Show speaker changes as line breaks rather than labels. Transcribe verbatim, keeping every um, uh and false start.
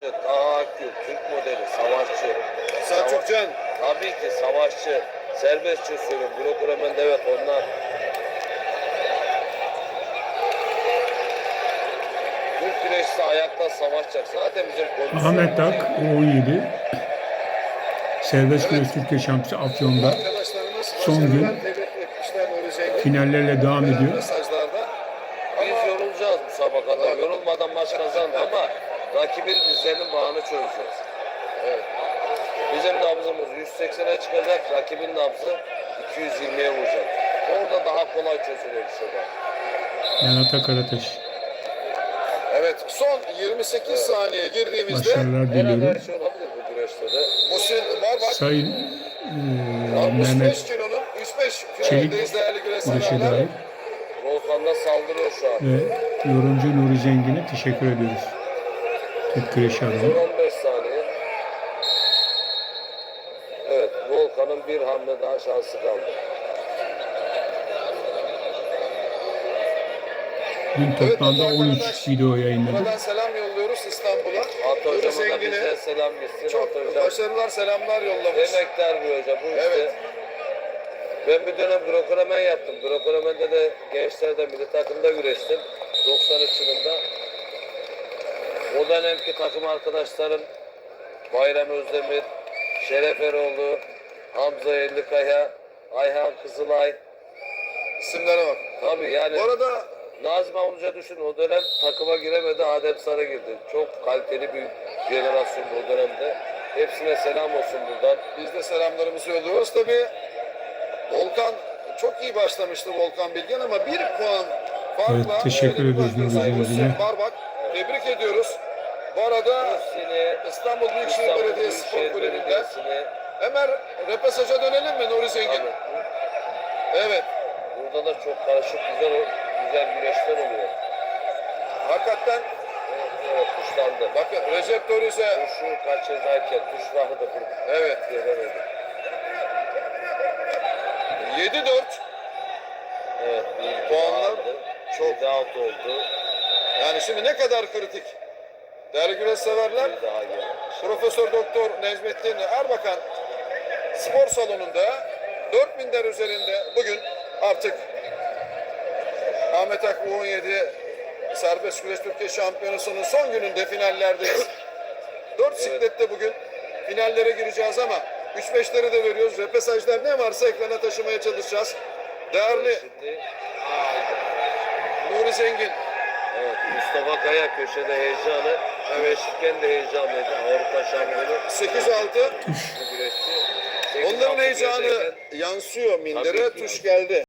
Tahakküm, Türk modeli, savaşçı.
Selçukcan.
Tabii ki savaşçı. Serbestçe söylüyorum. Grokomen evet onlar. Türk güreşçisi ayakta savaşacak. Zaten bizim kondisyonumuz
Ahmet Tak
iyi.
U on yedi Serbest Güreş Türkiye Şampiyonu Afyon'da
Arkadaşlarımız
son gün
başarılar tebrik etmişler Nuri Zengin.
finallerle devam
Gelen
ediyor.
mesajlarda.
Biz yorulacağız müsabakada. Yorulmadan maç kazandı ama rakibin dizlerinin bağını çözeceğiz.
Evet.
Bizim nabzımız yüz seksene çıkacak. Rakibin nabzı iki yüz yirmiye vuracak. Orada daha kolay çözülüyor bir şeyler.
Yanata Karataş.
Evet, son yirmi sekiz
Evet.
saniye girdiğimizde
Başarılar
Herhalde
diliyorum.
her şey olabilir bu güreşte de.
Musil Barbak
Sayın eee,
altmış beş
Mehmet
kilonun yüz beş
Çelik
finaldeyiz değerli
Güreş'e
güreşçiler.
dair
Volkan'da saldırıyor şu an.
ve yorumcu Nuri Zengin'e teşekkür ediyoruz. Türk Güreşi
Son
adına.
on beş saniye. Evet, Volkan'ın bir hamle daha şansı kaldı.
Dün toplamda on üç video yayınladık.
Buradan selam yolluyoruz İstanbul'a.
At
Nuri
hocama da
Zengin'e
bize selam gitsin.
çok
At hocam.
başarılar, selamlar yollamış.
Emektar bir hoca bu işte.
Evet.
Ben bir dönem Grokomen yaptım. Grokomen'de de gençlerde milli takımda güreştim. doksan üç yılında. O dönemki takım arkadaşlarım Bayram Özdemir, Şeref Eroğlu, Hamza Ellikaya, Ayhan Kızılay.
İsimlere bak.
Tabii yani
Bu arada
Nazım Avluca düşün o dönem takıma giremedi, Adem Sarı girdi. Çok kaliteli bir jenerasyon bu dönemde. Hepsine selam olsun buradan.
biz de selamlarımızı yolluyoruz. Tabii Volkan çok iyi başlamıştı Volkan Bilgen ama bir puan farkla
Evet, teşekkür
şöyle bir
ediyoruz
bakıyoruz.
Nuri
Sayın
Zengin'e.
Hüseyin Barbak. Tebrik ediyoruz. Bu arada
Hepsini
İstanbul Büyükşehir
İstanbul
Belediyesi Spor
Büyükşehir
Kulübü'nden
Belediyesi'ne
hemen repasaja dönelim mi Nuri Zengin?
tabii.
Evet.
Burada da çok karışık güzel güzel güreşler oluyor.
Hakikaten
Evet, evet tuşlandı.
bakın Recep Dorize.
Tuşu kaçırdayken tuş rahı da kırdı.
Evet.
Göremedi.
yedi dört.
Evet. Bir
Puanlar
aldı.
çok.
Bir daha out oldu.
Yani şimdi ne kadar kritik. Değerli güreş severler.
Bir daha geldi.
Profesör Doktor Necmettin Erbakan spor salonunda dört binler üzerinde bugün artık Ahmet Ak U on yedi Serbest Güreş Türkiye Şampiyonusu'nun son gününde finallerdeyiz. dört siklette bugün finallere gireceğiz ama üç beşleri de veriyoruz. Repesajlar ne varsa ekrana taşımaya çalışacağız. Değerli
Şimdi haydi.
Nuri Zengin,
Evet, Mustafa Kaya köşede heyecanı. Güreşirken de heyecanlıydı. Avrupa şampiyonu.
sekiz altı.
Bu güreşçi. sekiz
Onların
altı
heyecanı
güreşirken
yansıyor mindere.
Tabii ki.
Tuş geldi.